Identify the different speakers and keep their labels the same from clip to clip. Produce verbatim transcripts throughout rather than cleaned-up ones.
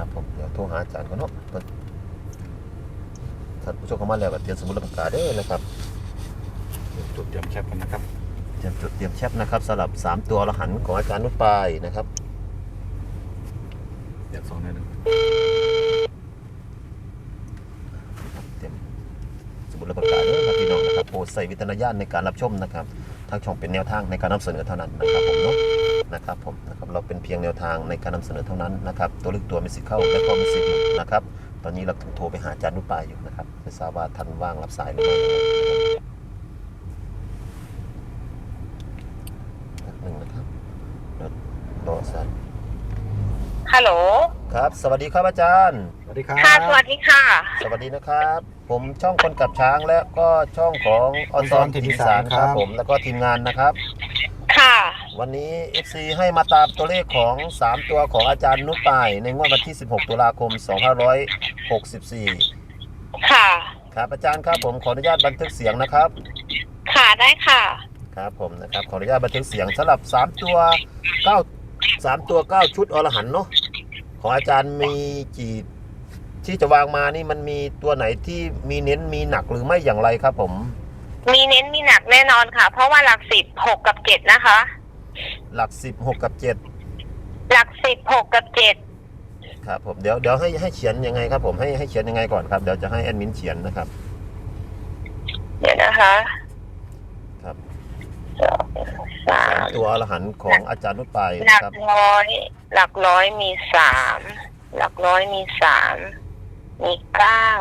Speaker 1: นะครับผมเดี๋ยวโทรหาอาจารย์ก่อนเนาะท่านผู้ชมเข้ามาแล้วก็เตรียมสมุดและปากกาเด้อนะครับ
Speaker 2: จุดเตรียมแคปกันนะครับ
Speaker 1: เตรียมจดเตรียมแชปนะครับสำหรับสามตัวอรหันต์ของอาจารย์นุชปายนะครับ
Speaker 2: เดี๋ยวสองหนึ่ง
Speaker 1: เตรียมสมุดและปากกาเด้อครับพี่น้องนะครับโปรดใส่วิจารณญาณในการรับชมนะครับทางช่องเป็นแนวทางในการนำเสนอเท่านั้นนะครับผมเนาะนะครับผมนะครับเราเป็นเพียงแนวทางในการนำเสนอเท่านั้นนะครับตัวเลือกตัวมีสิทธิ์เข้าและก็มีสิทธิ์หลุดนะครับตอนนี้เราโทรไปหาอาจารย์นุชปายอยู่นะครับไม่ทราบว่าท่านว่างรับสายหรือไม่หนึ่งนะครับรอสัก
Speaker 3: ฮัลโหล
Speaker 1: ครับสวัสดีครับอาจารย์
Speaker 2: สวัสดีครับ
Speaker 3: ค่ะสวัสดีค่ะ
Speaker 1: สวัสดีนะครับผมช่องคนกับช้างและก็ช่องของออนซอนทีมสารครับผมแล้วก็ทีมงานนะครับ
Speaker 3: ค่ะ
Speaker 1: วันนี้ เอฟ ซี ให้มาตามตัวเลขของสามตัวของอาจารย์นุชปายในงวดวันที่สิบหกตุลาคมสองพันห้าร้อยหกสิบสี่
Speaker 3: ค่ะ
Speaker 1: ครับอาจารย์ครับผมขออนุญาตบันทึกเสียงนะครับ
Speaker 3: ค่ะได้ค่ะ
Speaker 1: ครับผมนะครับขออนุญาตบันทึกเสียงสำหรับสามตัวเก้า สามตัวเก้าชุดอรหันต์เนาะของอาจารย์มีกี่ที่จะวางมานี่มันมีตัวไหนที่มีเน้นมีหนักหรือไม่อย่างไรครับผม
Speaker 3: มีเน้นมีหนักแน่นอนค่ะเพราะว่าหลักสิบหกกับเจ็ดนะคะ
Speaker 1: หลักสิบหกกับเจ็ด
Speaker 3: หลักสิบหกกับเจ็ด
Speaker 1: ครับผมเดี๋ยวเดี๋ยวให้ให้เขียนยังไงครับผมให้ให้เขียนยังไงก่อนครับเดี๋ยวจะให้แอดมินเขียนนะครับ
Speaker 3: เดี๋ยวนะคะ
Speaker 1: ครับ
Speaker 3: สาม
Speaker 1: ตัวอรหันต์ของอาจารย์นุชปาย
Speaker 3: หลักร้อยหลักร้อยมีสามหลักร้อยมีสามมีเก้า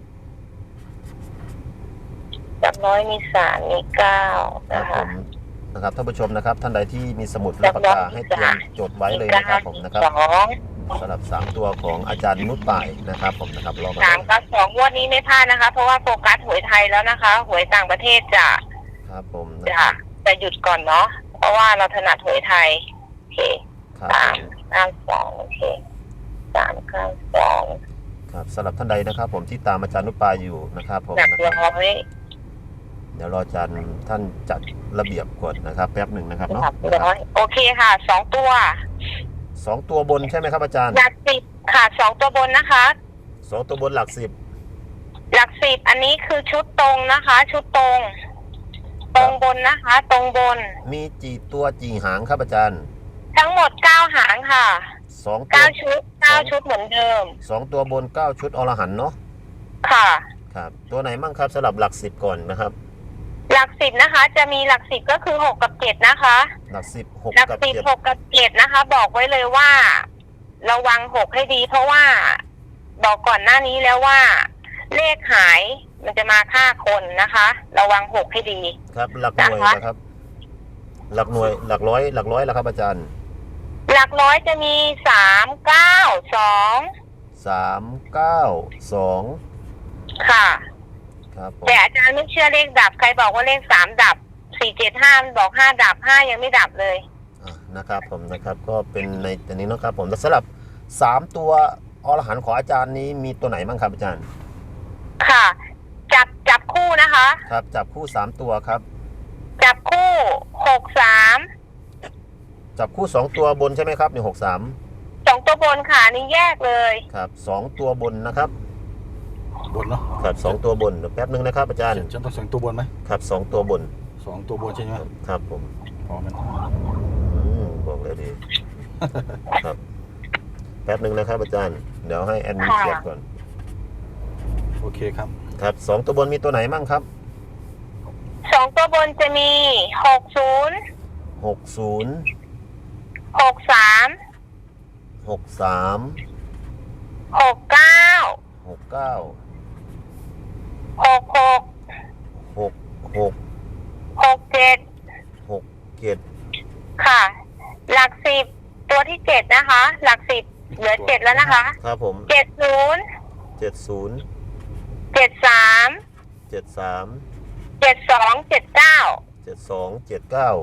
Speaker 3: หลักร้อยมีสามมีเก้านะคะ
Speaker 1: นะครับท่านผู้ชมนะครับท่านใดที่มีสมุดและปากกาให้เตรียมจดไว้เลยนะครับผมนะครับสำหรับสามตัวของอาจารย์นุชปายนะครับผมนะครับรอ
Speaker 3: สามกับสองงวดนี้ไม่พลาดนะคะเพราะว่าโฟกัสหวยไทยแล้วนะคะหวยต่างประเทศจะ
Speaker 1: ครับผม
Speaker 3: จะจะหยุดก่อนเนาะเพราะว่าเราถนัดหวยไทยโอเคสามเก้าสองโอเคสามเก้าสอง
Speaker 1: ครับสำหรับท่านใดนะครับผมที่ตามอาจารย์นุชปายอยู่นะครับผม
Speaker 3: หนักร้อย
Speaker 1: เดี๋ยวรออาจารย์ท่านจัดระเบียบก่อนนะครับแป๊บหนึ่งนะครับเนาะ
Speaker 3: โอเคค่ะสองตัว
Speaker 1: สองตัวบนใช่ไหมครับอาจารย์
Speaker 3: หลักสิบค่ะสองตัวบนนะคะ
Speaker 1: สองตัวบนหลักสิบ
Speaker 3: หลักสิบอันนี้คือชุดตรงนะคะชุดตรงตรงบนนะคะตรงบน
Speaker 1: มีกี่ตัวกี่หางครับอาจารย์
Speaker 3: ทั้งหมดเก้าหางค่ะ
Speaker 1: สอง
Speaker 3: เก้าชุดเก้าชุดเหมือนเดิม
Speaker 1: สองตัวบนเก้าชุดอรหันต์เนาะ
Speaker 3: ค่ะ
Speaker 1: ครับตัวไหนมั่งครับสำหรับหลักสิบก่อนนะครับ
Speaker 3: หลักสิบนะคะจะมีหลักสิบก็คือหกกับเจ็ดนะคะ
Speaker 1: หลักสิบหก
Speaker 3: หลักสิบหกกับเจ็ดนะคะบอกไว้เลยว่าระวังหกให้ดีเพราะว่าบอกก่อนหน้านี้แล้วว่าเลขหายมันจะมาฆ่าคนนะคะระวังหกให้ดี
Speaker 1: ครับหลักหน่วยนะครับหลักหน่วยหลักร้อยหลักร้อยแล้วครับอาจารย์
Speaker 3: หลักร้อยจะมีสามเก้าสอง
Speaker 1: สามเก้าสอง
Speaker 3: ค่ะ
Speaker 1: ครับ
Speaker 3: แต่อาจารย์ไม่เชื่อเลขดับใครบอกว่าเลขสามดับสี่เจ็ดห้ามันบอกห้าดับห้ายังไม่ดับเลย
Speaker 1: นะครับผมนะครับก็เป็นในตัวนี้นะครับผมสำหรับสามตัวอรหันต์ของอาจารย์นี้มีตัวไหนบ้างครับอาจารย์
Speaker 3: ค่ะจับจับคู่นะคะ
Speaker 1: ครับจับคู่สามตัวครับ
Speaker 3: จับคู่หกสาม
Speaker 1: จับคู่สองตัวบนใช่ไหมครับหนึ่งหกสาม
Speaker 3: สองตัวบนค่ะนี่แยกเลย
Speaker 1: ครับสองตัวบนนะครับ
Speaker 2: บนเนาะ
Speaker 1: ครับสองตัวบนแป๊บนึงนะครับอาจารย์
Speaker 2: ฉันต้องสองตัวบนไหม
Speaker 1: ครับสองตัวบน
Speaker 2: สองตัวบนใช่ไหม
Speaker 1: ครับผม
Speaker 2: พอมัน
Speaker 1: บอกเลยดีครับแป๊บนึงนะครับอาจารย์เดี๋ยวให้แอดมินเขียนก่อน
Speaker 2: โอเคครับ
Speaker 1: ครับสองตัวบนมีตัวไหนมั่งครับ
Speaker 3: สองตัวบนจะมีหกศูนย์
Speaker 1: หกศูนย์
Speaker 3: หกสาม
Speaker 1: หกสาม
Speaker 3: หกเก้า
Speaker 1: หกเก้า
Speaker 3: หกหก
Speaker 1: หกหก
Speaker 3: หกเจ็ด
Speaker 1: หกเจ็ด
Speaker 3: ค่ะหลักสิบตัวที่เจ็ดนะคะหลักสิบเหลือเจ็ดแล้วนะคะ
Speaker 1: ครับผม
Speaker 3: เจ็ดศูนย์
Speaker 1: เจ็ดศูนย์
Speaker 3: เจ็ดสาม
Speaker 1: เจ็ดสาม
Speaker 3: เจ็ดสองเจ็ดเก้า
Speaker 1: เจ็ดสองเจ็ดเก้า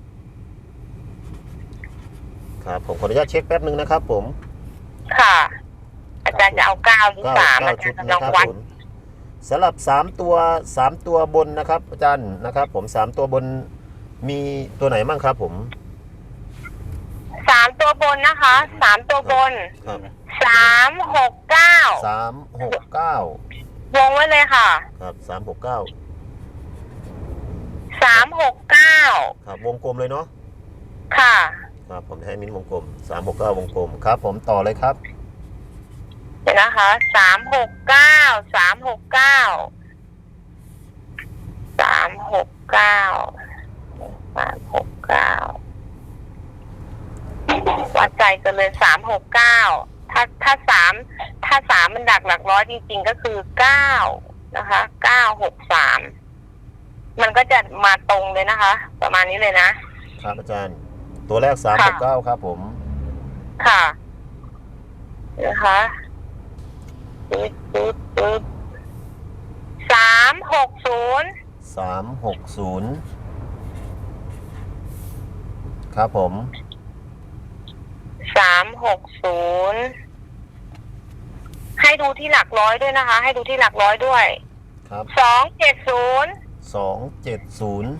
Speaker 1: ครับผมขออนุญาตเช็คแป๊บนึงนะครับผม
Speaker 3: ค่ะอาจารย์จะเอาเก้าหรือสามอาจารย์ลองวัด
Speaker 1: สำหรับสามตัวสามตัวบนนะครับอาจารย์นะครับผมสามตัวบนมีตัวไหนบ้างครับผม
Speaker 3: สามตัวบนนะคะสามตัวบน
Speaker 1: ครับ
Speaker 3: สามหกเก้า
Speaker 1: สามหกเก้าว
Speaker 3: งไว้เลยค่ะ
Speaker 1: ครับสามหกเก้า
Speaker 3: สามหกเก้า
Speaker 1: ครับวงกลมเลยเนาะ
Speaker 3: ค่ะ
Speaker 1: ครับผมจะให้มิ้นวงกลมสามหกเก้าวงกลมครับผมต่อเลยครับ
Speaker 3: เดี๋ยวนะคะสามหกเก้าสามหกเก้าสามหกเก้าสามหกเก้าวัดใจกันเลยสามหกเก้าถ้าถ้าสามถ้าสามมันดักหลักร้อยจริงๆก็คือเก้านะคะเก้าหกสามมันก็จะมาตรงเลยนะคะ ประมาณนี้เลยนะครับ
Speaker 1: อาจารย์ตัวแรกสามหกเก้าครับผม
Speaker 3: ค่ะนะคะปึ๊บปึ๊บปึ๊บสามหกศูนย์
Speaker 1: สามหกศูนย์ครับผม
Speaker 3: สามหกศูนย์ให้ดูที่หลักร้อยด้วยนะคะ ให้ดูที่หลักร้อยด้วย
Speaker 1: ครับ
Speaker 3: สองเจ็ดศูนย์
Speaker 1: สองเจ็ดศูนย์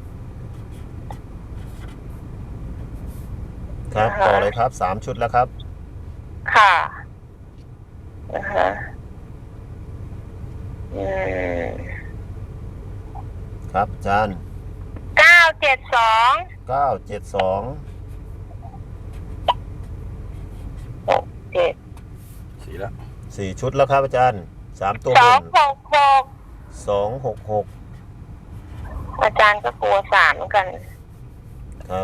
Speaker 1: ครับต่อเลยครับสามชุดแล้วครับ
Speaker 3: ค่ะนะคะอืม
Speaker 1: ครับอาจารย์
Speaker 3: เก้าเจ็ดสอง
Speaker 1: เก้าเจ็ดสอง
Speaker 3: หกเจ็ด
Speaker 2: สี่แล้ว
Speaker 1: สี่ชุดแล้วครับอาจารย์สามตัว
Speaker 3: ส
Speaker 1: บ
Speaker 3: อง
Speaker 1: น
Speaker 3: หกหก
Speaker 1: สองหกหก
Speaker 3: อาจารย์ก็กลัวสามเหมือนกัน
Speaker 1: ครับ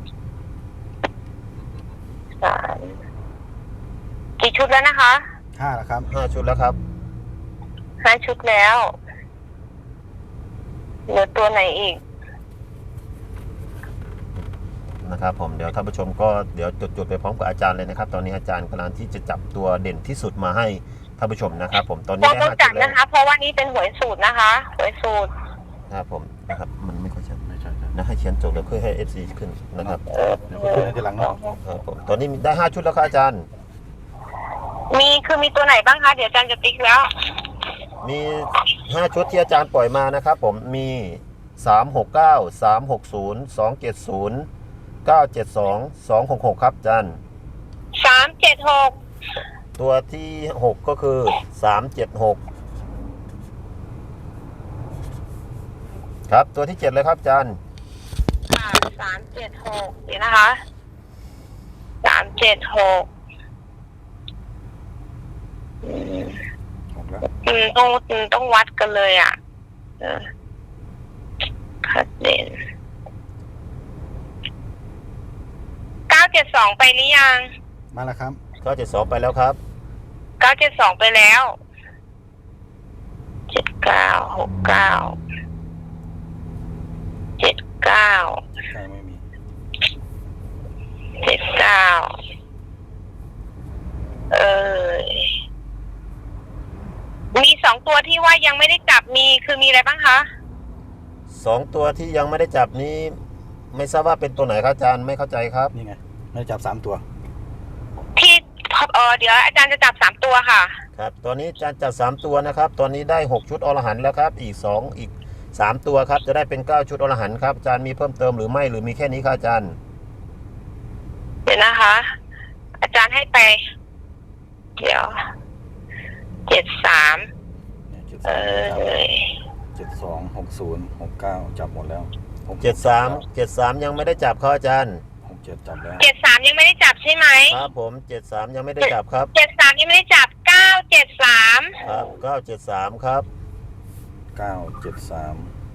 Speaker 3: สามกี่ชุดแล้วนะคะ
Speaker 2: ห้าแล้วครับ
Speaker 1: ห้าชุดแล้วครับ
Speaker 3: ห้าชุดแล้วเหลือตัวไหนอีก
Speaker 1: นะครับผมเดี๋ยวท่านผู้ชมก็เดี๋ยวจดๆไปพร้อมกับอาจารย์เลยนะครับ ตอนนี้อาจารย์กำลังที่จะจับตัวเด่นที่สุดมาให้ท่านผู้ชมนะครับผมตอนนี้
Speaker 3: ก็
Speaker 1: ได้
Speaker 3: ต้อง
Speaker 1: ห้า
Speaker 3: จั
Speaker 1: ชุ
Speaker 3: ด
Speaker 1: ดแล้ว
Speaker 3: นะคะ เพราะว่านี่เป็นหวยสูตรนะคะหวยสูตร
Speaker 1: ครับผมนะครับมันไม่ค่อยชัด
Speaker 2: ไม่ใช่ใช่
Speaker 1: นะให้เขียนจบแล้วเพื่อให้ เอฟ ซี ขึ้นนะครับ
Speaker 2: เดี๋ยวคุณขึ้นให้ทีหลังเนาะ
Speaker 1: ครับผมตอนนี้ได้ห้าชุดแล้วครับอาจารย์
Speaker 3: มีคือมีตัวไหนบ้างคะ เดี๋ยวอาจารย์จะติ๊กแล้ว
Speaker 1: มีห้าชุดที่อาจารย์ปล่อยมานะครับผมมีสามหกเก้า สามหกศูนย์ สองเจ็ดศูนย์ เก้าเจ็ดสอง สองหกหกครับอาจารย์
Speaker 3: สามเจ็ดหก
Speaker 1: ตัวที่หกก็คือสามเจ็ดหกครับตัวที่เจ็ดเลยครับอาจารย์
Speaker 3: ค่ะสามเจ็ดหกเดี๋ยวนะคะสามเจ็ดหกอืม
Speaker 2: หกแล้ว
Speaker 3: อืมต้องอืมต้องวัดกันเลยอ่ะเออคัดเด่นเก้าเจ็ดสองไปหรือยัง
Speaker 2: มาแล้วครับ
Speaker 1: เก้าเจ็ดสองไปแล้วครับ
Speaker 3: เก้าเจ็ดสองไปแล้วเจ็ดเก้าหกเก้าเจ็ดเก้า
Speaker 2: ใช่ไม่มี
Speaker 3: เจ็ดเก้าเออมีสองตัวที่ว่ายังไม่ได้จับมีคือมีอะไรบ้างคะ
Speaker 1: สองตัวที่ยังไม่ได้จับนี้ไม่ทราบว่าเป็นตัวไหนครับอาจารย์ไม่เข้าใจครับ
Speaker 2: นี่ไงไม่ได้จับสามตัว
Speaker 3: ที่เออเดี๋ยวอาจารย์จะจับสามตัวค่ะ
Speaker 1: ครับตอนนี้อาจารย์จัดสามตัวนะครับ ตอนนี้ได้หกชุดอรหันต์แล้วครับ อีกสองอีกสามตัวครับ จะได้เป็นเก้าชุดอรหันต์ครับอาจารย์มีเพิ่มเติมหรือไม่หรือมีแค่นี้ครับอาจารย์
Speaker 3: เดี๋ยวนะคะ อาจารย์ให้ไป เดี๋ยวเจ็ดสาม
Speaker 2: เนี่ยเจ็ด
Speaker 3: เอ
Speaker 2: สาม
Speaker 3: อ
Speaker 2: เจ็ดสองหกศูนย์หกเก้าจับหมดแล้วหก
Speaker 1: เจ็ดสามเจ็ดสามยังไม่ได้จับครับอาจารย์
Speaker 2: หกเจ็ดจับแล้ว
Speaker 3: เจ็ดสามยังไม่ได้จับใช่ไหม
Speaker 1: ครับผมเจ็ดสามยังไม่ได้จับครับ
Speaker 3: เจ็ดสามยังไม่ได้จับเก้าเจ็ดสาม
Speaker 1: ครับเก้าเจ็ดสามครับ
Speaker 2: เก้าเจ็ดสาม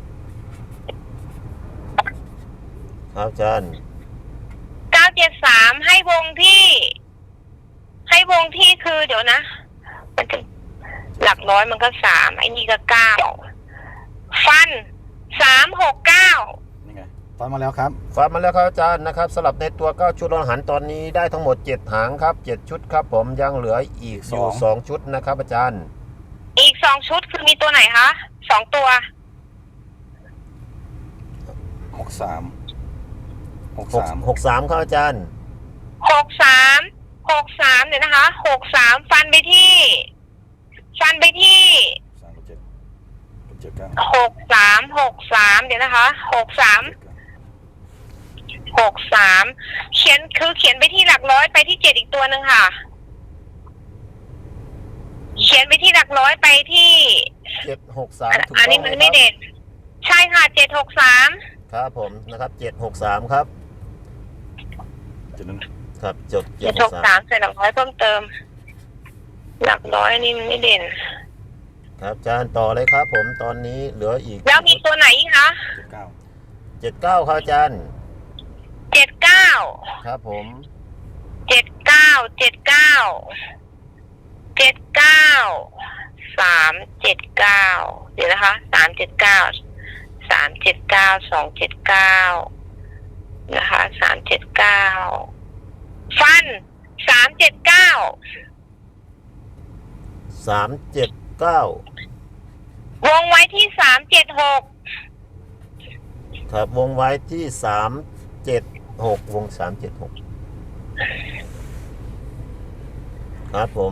Speaker 1: ครับอาจารย์
Speaker 3: เก้าเจ็ดสามให้วงที่ ให้วงที่คือเดี๋ยวนะ มันจะหลักร้อยมันก็สามไอ้นี่ก็เก้าฟันสามหกเก้า
Speaker 2: นี่ไงฟันมาแล้วครับ
Speaker 1: ฟังมาแล้วครับอาจารย์นะครับสลับในตัวเก้าชุดอรหันต์ตอนนี้ได้ทั้งหมดเจ็ดหางครับเจ็ดชุดครับผมยังเหลืออีกอยู่สองชุดนะครับอาจารย์
Speaker 3: อีกสองชุดคือมีตัวไหนคะสองตัว
Speaker 2: หกสามหก
Speaker 1: หก
Speaker 2: สาม
Speaker 1: หกสามครับอาจารย์
Speaker 3: หกสามหกสามเดี๋ยวนะคะหกสามฟันไปที่ ฟันไปที่
Speaker 2: สามเจ็ดเจ็ดเก้า
Speaker 3: หกสามหกสามเดี๋ยวนะคะหกสามหกสามเขียนคือเขียนไปที่หลักไปที่เจ็ดอีกตัวหนึ่งค่ะ เขียนไปที่หลักร้อยไปที่
Speaker 1: เจ็ดหกสามถูก
Speaker 3: อัน
Speaker 1: ต้อ
Speaker 3: นี้
Speaker 1: งไหม
Speaker 3: มัน
Speaker 1: ค
Speaker 3: ไม่
Speaker 1: รับ
Speaker 3: เด่นใช่ค่ะเจ็ดหกสาม
Speaker 1: ครับผมนะครับเจ็ดหกสามครับ
Speaker 2: จุดนั้น
Speaker 1: ครับจด
Speaker 3: เจ็ดหกสามใส่หลักร้อยเพิ่มเติม หลักร้อยนี่มันไม่เด่น
Speaker 1: ครับอาจารย์ต่อเลยครับผมตอนนี้เหลืออีก
Speaker 3: แล้วมีตัวไหนอีกคะ
Speaker 2: เจ็ดเก้า
Speaker 1: เจ็ดเก้าครับอาจารย์
Speaker 3: เจ็ดเก้า
Speaker 1: ครับผม
Speaker 3: เจ็ดเก้าเจ็ดเก้าเจ็ดเก้าสามเจ็ดเก้าเดี๋ยวนะคะสามเจ็ดเก้าสามเจ็ดเก้าสองเจ็ดเก้านะคะสามเจ็ดเก้าฟันสามเจ็ดเก้า
Speaker 1: สามเจ็ดเก้าว
Speaker 3: งไว้ที่สามเจ็ดหก
Speaker 1: ครับวงไว้ที่สามเจ็ดหกวงสามเจ็ดหกครับผม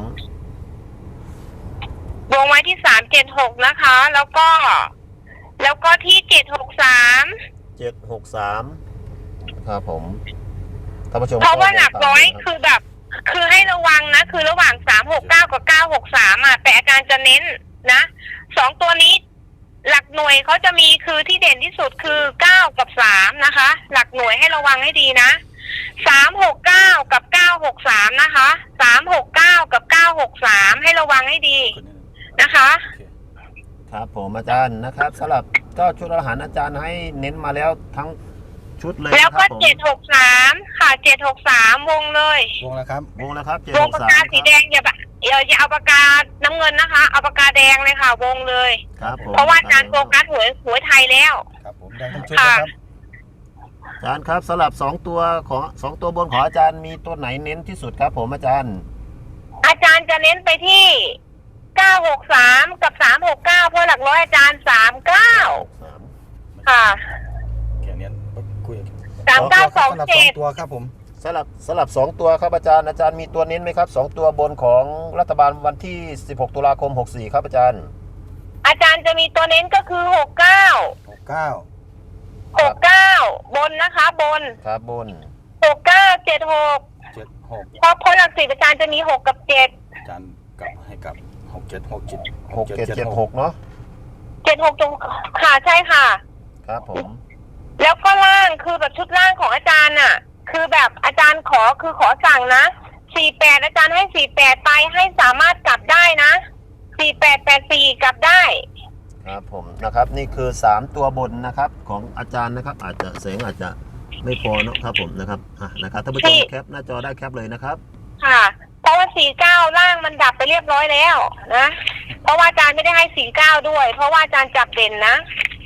Speaker 3: วงไว้ที่สามเจ็ดหกนะคะ แล้วก็ แล้วก็ที่เจ็ดหกสาม
Speaker 1: เจ็ดหกสามครับผมท่านผู้ชม
Speaker 3: เพราะว่าหลักร้อย
Speaker 1: ก็
Speaker 3: คือแบบ คือให้ระวังนะ คือระหว่างสามหกเก้ากับเก้าหกสามอ่ะแต่อาจารย์จะเน้นนะสองตัวนี้ หลักหน่วยเขาจะมีคือที่เด่นที่สุดคือเก้ากับสามนะคะ หลักหน่วยให้ระวังให้ดีนะสามหกเก้ากับเก้าหกสามนะคะสามหกเก้ากับเก้าหกสามให้ระวังให้ดี
Speaker 2: ขึ้นนิดนึง
Speaker 3: นะคะ
Speaker 2: โอเค
Speaker 1: ครับผมอาจารย์นะครับสำหรับก็ชุดอาหารอาจารย์ให้เน้นมาแล้วทั้งชุดเลย
Speaker 3: แล้ว
Speaker 1: นะค
Speaker 3: ก็
Speaker 1: รับผม
Speaker 3: เจ็ดหกสามค่ะเจ็ดหกสามวงเลย
Speaker 2: วงแล้วครับ
Speaker 1: วงแล้วครับเจ็ด
Speaker 3: ว
Speaker 1: ห
Speaker 3: ง
Speaker 1: ก
Speaker 3: ปาก
Speaker 1: สาม
Speaker 3: กาสีแดงอย่าแบบอย่าอย่าเอาปากกาน้ำเงินนะคะเอาปากกาแดงเลยค่ะ วงเลย
Speaker 1: ครับผม
Speaker 3: เพราะว่าอาจารย์โฟกัสหวยหวยไทยแล้ว
Speaker 2: ครับผมแดงทั้งชุดนะครับ
Speaker 1: อาจารย์ครับสำหรับสองตัวของสองตัวบนของอาจารย์มีตัวไหนเน้นที่สุดครับผมอาจารย์
Speaker 3: อาจารย์จะเน้นไปที่เก้าหกสามกับสามหกเก้าเพราะหลักร้อยอาจารย์สามเก้า
Speaker 1: สาม
Speaker 3: ค่ะ
Speaker 2: แค่นี้คุย
Speaker 3: สามเก้าสอง
Speaker 2: สำหรับส
Speaker 3: เจ็
Speaker 2: อง
Speaker 3: ด
Speaker 2: ตัวครับผม
Speaker 1: สลับสลับสองตัวครับอาจารย์อาจารย์มีตัวเน้นไหมครับสองตัวบนของรัฐบาลวันที่สิบหกตุลาคมหกสี่ครับอาจารย์
Speaker 3: อาจารย์จะมีตัวเน้นก็คือหกเก้า
Speaker 2: หกเก้า
Speaker 3: หกเก้าบนนะคะ บน
Speaker 1: ครับบน
Speaker 3: หกเก้าเจ็ดหก
Speaker 2: เจ็ดหก
Speaker 3: เพราะเพราะหลักสิบอาจารย์จะมีหกกับเจ็ด
Speaker 2: อาจารย์กลับให้กลับหกเจ็ดหกเจ็ด
Speaker 1: หกเจ็ดเจ็ดหกเนาะ
Speaker 3: เจ็ดหกตรงค่ะใช่ค่ะ
Speaker 1: ครับผม
Speaker 3: แล้วก็ล่างคือแบบชุดล่างของอาจารย์น่ะ คือแบบอาจารย์ขอคือขอสั่งนะสี่แปดอาจารย์ให้สี่แปดไปให้สามารถกลับได้นะสี่แปดแปดสี่กลับได้
Speaker 1: ครับผมนะครับนี่คือสามตัวบนนะครับของอาจารย์นะครับอาจจะเสียงอาจจะไม่พอเนาะครับผมนะครับอ่ะนะครับท่านผู้ชมแคปหน้าจอได้แคปเลยนะครับ
Speaker 3: ค่ะ เพราะว่าสี่เก้าล่างมันดับไปเรียบร้อยแล้วนะเพราะว่าอาจารย์ไม่ได้ให้สี่เก้าด้วย เพราะว่าอาจารย์จับเด่นนะ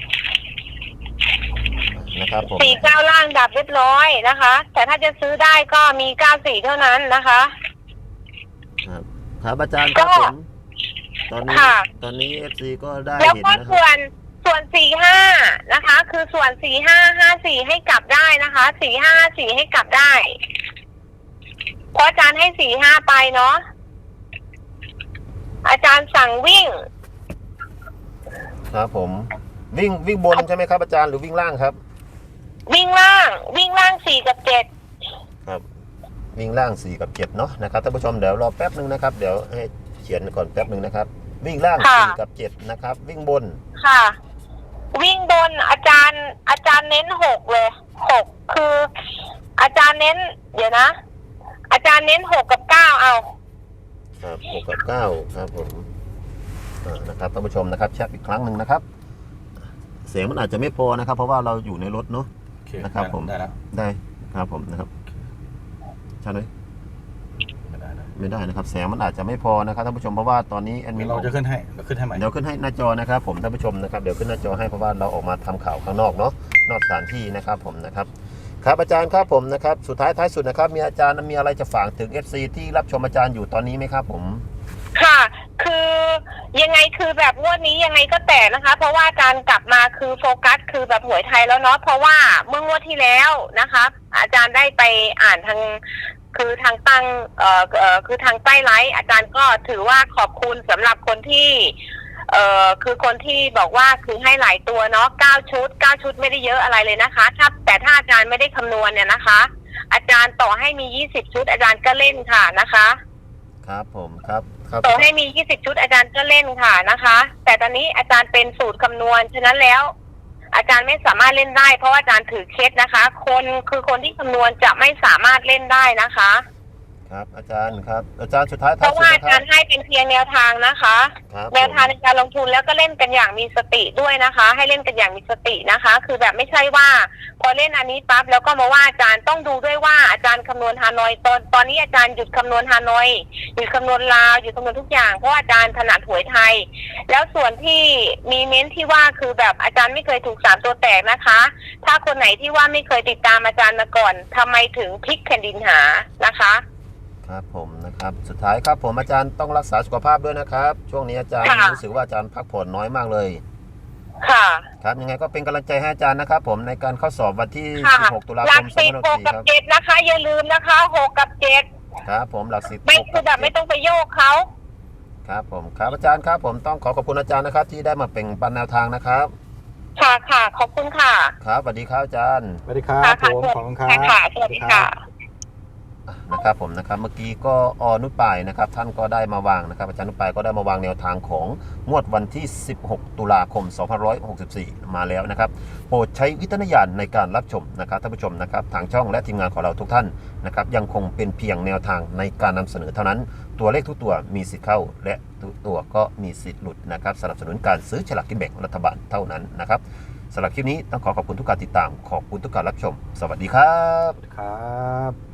Speaker 1: นะครับผม
Speaker 3: สี่เก้าล่างดับเรียบร้อยนะคะ แต่ถ้าจะซื้อได้ก็มีเก้าสี่เท่านั้นนะคะ
Speaker 1: ครับครับอาจารย์ครับผมตอนนี้
Speaker 3: ค่ะ
Speaker 1: ตอนนี้เอฟซีก็ได้
Speaker 3: แล้ว
Speaker 1: เห็น
Speaker 3: ก็
Speaker 1: นะค
Speaker 3: ส่ว
Speaker 1: รับ
Speaker 3: นส่วนสี่ห้านะคะ คือส่วนสี่ห้าห้าสี่ให้กลับได้นะคะสี่ห้าสี่ให้กลับได้เพราะอาจารย์ให้สี่ห้าไปเนาะอาจารย์สั่งวิ่ง
Speaker 1: ครับผมวิ่งวิ่งบนใช่ไหมครับอาจารย์หรือวิ่งล่างครับ
Speaker 3: วิ่งล่าง วิ่งล่างสี่กับเจ็ด
Speaker 1: ครับวิ่งล่างสี่กับเจ็ดเนาะนะครับท่านผู้ชมเดี๋ยวรอแป๊บหนึ่งนะครับเดี๋ยวให้เขียนก่อนแป๊บหนึ่งนะครับวิ่งล่างสี่กับเจ็ดนะครับวิ่งบน
Speaker 3: ค่ะ วิ่งบนอาจารย์ อาจารย์เน้นหกเลยหกคือ อาจารย์เน้น เดี๋ยวนะ อาจารย์เน้นหกกับเก้าเอา
Speaker 1: ครับหกกับเก้าครับผมอ่านะครับท่านผู้ชมนะครับแชทอีกครั้งหนึ่งนะครับเสียงมันอาจจะไม่พอนะครับ เพราะว่าเราอยู่ในรถเนาะ
Speaker 2: โอเค
Speaker 1: นะครับผม
Speaker 2: ได้แล้ว
Speaker 1: ได้ครับผมนะครับใช่ไหม
Speaker 2: ไม่ได้นะ
Speaker 1: ไม่ได้นะครับแสงมันอาจจะไม่พอนะครับท่านผู้ชมเพราะว่าตอนนี้แอดมิ
Speaker 2: เดี๋ย
Speaker 1: น
Speaker 2: วเราจะขึ้นให้เราขึ้นให้ใหม่
Speaker 1: เดี๋ยวขึ้นให้หน้าจอนะครับผมท่านผู้ชมนะครับเดี๋ยวขึ้นหน้าจอให้เพราะว่าเราออกมาทำข่าวข้างนอกเนาะนอกสถานที่นะครับผมนะครับครับอาจารย์ครับผมนะครับสุดท้ายท้ายสุดนะครับมีอาจารย์มีอะไรจะฝากถึง เอฟ ซี ที่รับชมอาจารย์อยู่ตอนนี้ไหมครับผม
Speaker 3: ค่ะ คือยังไงคือแบบงวดนี้ยังไงก็แตกนะคะ เพราะว่าการกลับมาคือโฟกัสคือแบบหวยไทยแล้วเนาะเพราะว่าเมื่องวดที่แล้วนะคะ อาจารย์ได้ไปอ่านทางคือทางตั้งเอ่อเอ่อคือทางใต้ไลฟ์อาจารย์ก็ถือว่าขอบคุณสำหรับคนที่เอ่อคือคนที่บอกว่าคือให้หลายตัวเนาะเก้าชุดเก้าชุดไม่ได้เยอะอะไรเลยนะคะถ้าแต่ถ้าอาจารย์ไม่ได้คำนวณเนี่ยนะคะอาจารย์ต่อให้มียี่สิบชุดอาจารย์ก็เล่นค่ะนะคะ
Speaker 1: ครับผมครับครับ
Speaker 3: ต่อให้มียี่สิบชุดอาจารย์ก็เล่นค่ะนะคะ แต่ตอนนี้อาจารย์เป็นสูตรคำนวณฉะนั้นแล้ว อาจารย์ไม่สามารถเล่นได้เพราะว่าอาจารย์ถือเคสนะคะ คนคือคนที่คำนวณจะไม่สามารถเล่นได้นะคะ
Speaker 1: ครับอาจารย์ครับอาจารย์สุดท้าย
Speaker 3: เพ
Speaker 1: ท้าย
Speaker 3: ราะ
Speaker 1: สุด
Speaker 3: ว่า
Speaker 1: นะ
Speaker 3: อา
Speaker 1: ค
Speaker 3: จา
Speaker 1: รับ
Speaker 3: รย์ให้เป็นเพียงแนวทางนะคะ
Speaker 1: ครับ
Speaker 3: แนวทาง
Speaker 1: ผม
Speaker 3: ในการลงทุนแล้วก็เล่นกันอย่างมีสติด้วยนะคะ ให้เล่นกันอย่างมีสตินะคะ คือแบบไม่ใช่ว่า พอเล่นอันนี้ปั๊บแล้วก็มาว่าอาจารย์ต้องดูด้วยว่าอาจารย์คำนวณฮานอยตอนตอนนี้อาจารย์หยุดคำนวณฮานอยหยุดคำนวณลาวหยุดคำนวณทุกอย่างเพราะว่าอาจารย์ถนัดหวยไทย แล้วส่วนที่มีเม้นที่ว่าคือแบบอาจารย์ไม่เคยถูกสามตัวแตกนะคะ ถ้าคนไหนที่ว่าไม่เคยติดตามอาจารย์มาก่อนทำไมถึงพลิกแผ่นดินหานะคะ
Speaker 1: ครับผมนะครับสุดท้ายครับผมอาจารย์ต้องรักษาสุขภาพด้วยนะครับ ช่วงนี้อาจารย์
Speaker 3: ค่ะ
Speaker 1: รู้สึกว่าอาจารย์พักผ่อนน้อยมากเลย
Speaker 3: ค่ะ
Speaker 1: ครับยังไงก็เป็นกำลังใจให้อาจารย์นะครับผมในการเข้าสอบวันที่
Speaker 3: ค่ะ
Speaker 1: สิบหก ตุลา
Speaker 3: หลั
Speaker 1: ค
Speaker 3: ก
Speaker 1: ม
Speaker 3: สิบหก
Speaker 1: ส
Speaker 3: กั
Speaker 1: อบ งพันห้าร้อยหกสิบสี่ครับ
Speaker 3: เจ็ดนะคะ อย่าลืมนะคะหกกับเจ็ด
Speaker 1: ครับผมหลักสิบ
Speaker 3: ไม่
Speaker 1: หก
Speaker 3: คือแบบ
Speaker 1: กั
Speaker 3: ไม่
Speaker 1: เจ็ด
Speaker 3: ต้องไปโยกเขา
Speaker 1: ครับผมครับอาจารย์ครับผมต้องขอขอบคุณอาจารย์นะครับ ที่ได้มาเป็นปันแนวทางนะครับ
Speaker 3: ค่ะค่ะขอบคุณค่ะ
Speaker 1: ครับสวัสดีครับอาจารย์
Speaker 2: สวัสดีครับ
Speaker 3: ค่ะ
Speaker 2: ผ
Speaker 3: ค่ะ
Speaker 2: มขอบคุณครับ
Speaker 3: ค่ะสวัสดีค่ะ
Speaker 1: อ่ะนะครับผมนะครับเมื่อกี้ก็ออนุปายนะครับท่านก็ได้มาวางนะครับอาจารย์นุปายก็ได้มาวางแนวทางของงวดวันที่ สิบหก ตุลาคม สองพันห้าร้อยหกสิบสี่ มาแล้วนะครับโปรดใช้วิจารณญาณในการรับชมนะครับท่านผู้ชมนะครับทางช่องและทีมงานของเราทุกท่านนะครับยังคงเป็นเพียงแนวทางในการนำเสนอเท่านั้นตัวเลขทุกตัวมีสิทธิ์เข้าและทุกตัวก็มีสิทธิ์หลุดนะครับสนับสนุนการซื้อฉลากกินแบ่งรัฐบาลเท่านั้นนะครับสำหรับคลิปนี้ต้องขอขอบคุณทุกการติดตามขอบคุณทุกการรับชม สวัสดีครับ
Speaker 2: ครับ